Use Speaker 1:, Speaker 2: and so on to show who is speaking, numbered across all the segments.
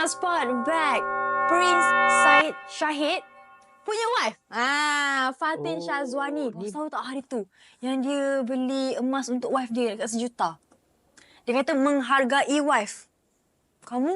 Speaker 1: nak spot bag Prince Syed Shahid punya wife. Fatin Syazwani. Kau tahu tak hari tu yang dia beli emas untuk wife dia dekat 1 juta. Dia kata menghargai wife. Kamu?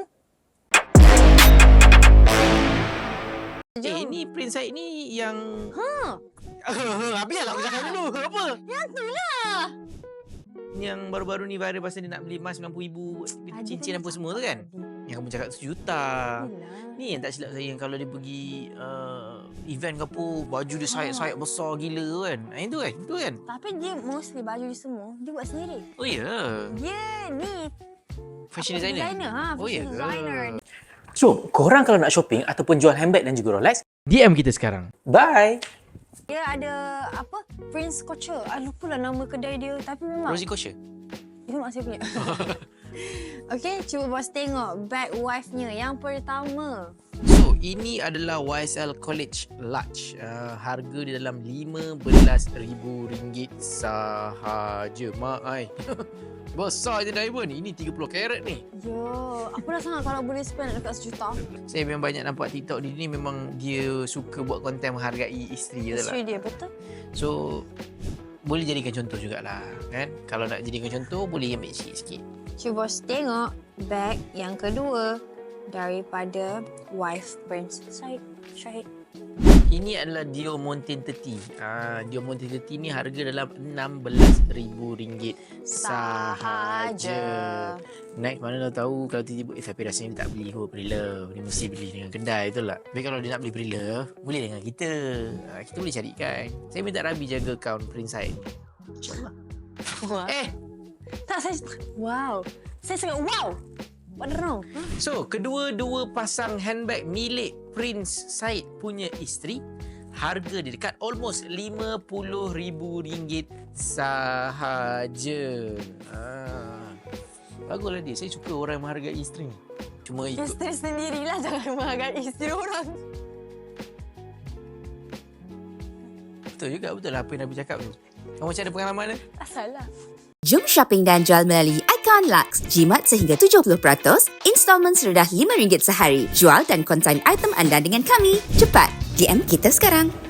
Speaker 2: Ni Prince Syed ni yang... Biarlah aku cakap dulu. Apa?
Speaker 1: Yang tu lah.
Speaker 2: Yang baru-baru ni viral pasal dia nak beli emas RM90,000, cincin apa semua tu kan? Yang kamu cakap 1 juta. Ni yang tak silap saya, yang kalau dia pergi event ke apa, baju dia sayap-sayap besar gila tu kan. Itu kan? Itu kan?
Speaker 1: Tapi dia mostly baju dia semua, dia buat sendiri.
Speaker 2: Oh ya? Yeah.
Speaker 1: Dia ni
Speaker 2: Fashion designer?
Speaker 1: Fashion designer.
Speaker 3: So, korang kalau nak shopping ataupun jual handbag dan juga Rolex,
Speaker 2: DM kita sekarang.
Speaker 3: bye!
Speaker 1: Dia ada apa? Prince Couture. Lupa lah nama kedai dia. Tapi memang
Speaker 2: Rosie Kosher?
Speaker 1: itu mak saya punya. Okay, cuba bos tengok bag wife-nya. Yang pertama.
Speaker 2: So, ini adalah YSL College Large. Harga dia dalam RM15,000 sahaja. Mak ai. Besar je diamond. Ini 30 karat ni.
Speaker 1: Yo, aku dah sangat kalau boleh spend dekat 1 juta.
Speaker 2: Saya memang banyak nampak TikTok dia ni, memang dia suka buat konten menghargai isteri dia lah.
Speaker 1: Isteri dia, betul?
Speaker 2: So, boleh jadikan contoh jugalah kan. Kalau nak jadikan contoh, boleh ambil sikit-sikit.
Speaker 1: Cuba bos tengok bag yang kedua daripada wife Prince Syed Shahid.
Speaker 2: Ini adalah Dior Mountain 30. Dior Mountain 30 ni harga dalam RM16,000 sahaja. Next, mana dah tahu kalau tiba-tiba tapi rasanya dia tak beli Prilla. Dia mesti beli dengan kedai, betul tak? Tapi kalau dia nak beli Prilla, boleh dengan kita. Kita boleh carikan. Saya minta Rabi jaga akaun Prince Syed. InsyaAllah.
Speaker 1: Tak, saya... Wow. Saya sangat wow. What wrong?
Speaker 2: So, kedua-dua pasang handbag milik Prince Syed punya isteri, harga dia dekat almost RM50,000 sahaja. Baguslah dia. Saya suka orang yang menghargai isteri. Cuma ikut...
Speaker 1: Isteri sendirilah, jangan menghargai isteri orang.
Speaker 2: Betul juga, betul lah apa yang Nabi cakap tu. Kamu macam ada pengalaman ke?
Speaker 1: Tak salah.
Speaker 4: Jom shopping dan jual melalui Icon Lux. Jimat sehingga 70%, installment serendah RM5 sehari. Jual dan konsign item anda dengan kami. Cepat, DM kita sekarang.